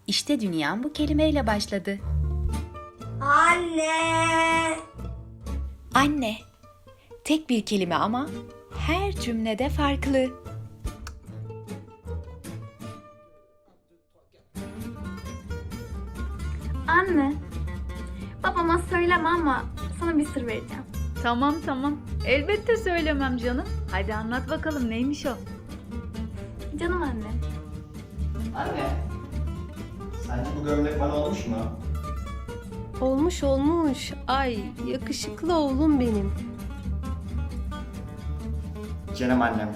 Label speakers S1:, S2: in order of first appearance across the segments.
S1: İşte dünyam bu kelimeyle başladı.
S2: Anne.
S1: Anne. Tek bir kelime ama her cümlede farklı.
S3: Anne, babama söyleme ama sana bir sır vereceğim.
S4: Tamam. Elbette söylemem canım. Hadi anlat bakalım neymiş o?
S3: Canım anne.
S5: Anne, sence bu gömlek bana olmuş mu?
S6: Olmuş. Ay yakışıklı oğlum benim.
S5: Canım annem.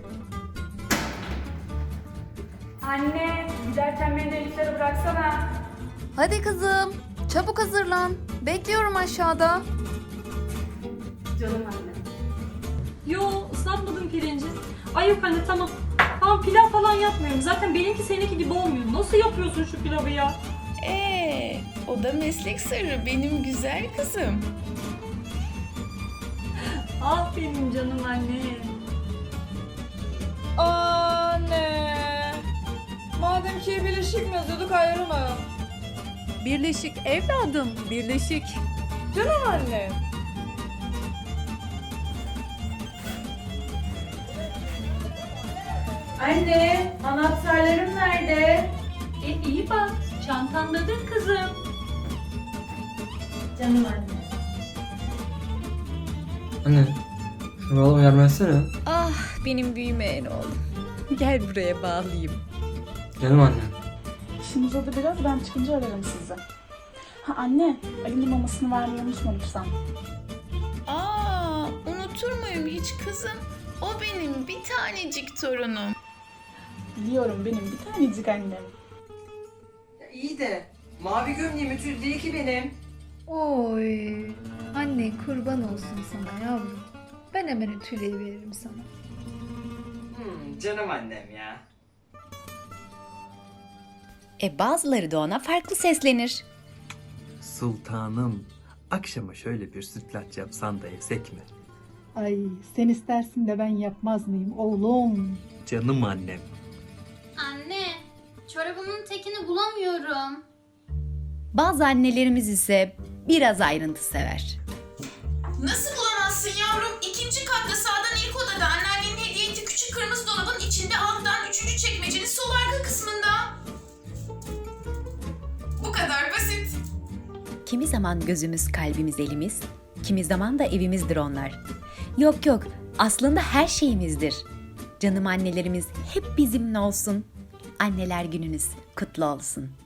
S7: Anne, giderken beni de eliflere bıraksana.
S8: Hadi kızım, çabuk hazırlan. Bekliyorum aşağıda.
S7: Canım anne. Yo, ıslatmadım pirinci. Ay yok anne, tamam. Tamam, pilav falan yapmıyorum. Zaten benimki seninki gibi olmuyor. Nasıl yapıyorsun şu pilavı ya?
S1: O da meslek sırrı benim güzel kızım.
S7: Aferin canım anne.
S9: Anne. Madem ki birleşik mi yazıyorduk ayrı mı?
S4: Birleşik evladım, birleşik.
S9: Canım anne. Anne, anahtarlarım nerede?
S7: İyi bak, çantandadır kızım.
S9: Canım anne.
S10: Anne, şunu oğlum yardım etsene.
S1: Ah benim büyümeyen oğlum. Gel buraya bağlayayım.
S10: Canım anne.
S11: İşim uzadı biraz, ben çıkınca ararım sizi. Ha anne, Ali'nin mamasını vermeyi unutma lütfen.
S1: Unutur muyum hiç kızım? O benim bir tanecik torunum.
S11: Biliyorum benim bir tanecik annem.
S9: İyi de mavi gömleğim ütülü değil ki benim.
S8: Oy, anne kurban olsun sana yavrum. Ben hemen ütüleyi veririm sana.
S9: Canım annem ya.
S1: Bazıları da ona farklı seslenir.
S12: Sultanım, akşama şöyle bir sütlaç yapsan da yesek mi?
S11: Ay sen istersin de ben yapmaz mıyım oğlum?
S12: Canım annem.
S3: Anne, çorabımın tekini bulamıyorum.
S1: Bazı annelerimiz ise biraz ayrıntı sever.
S13: Nasıl bulamazsın yavrum? İkinci katta sağdan ilk odada anneannenin hediye ettiği küçük kırmızı dolabın içinde alttan üçüncü çekmecenin sol arka kısmında. Bu kadar basit.
S1: Kimi zaman gözümüz, kalbimiz, elimiz, kimi zaman da evimizdir onlar. Yok, aslında her şeyimizdir. Canım annelerimiz hep bizimle olsun. Anneler gününüz kutlu olsun.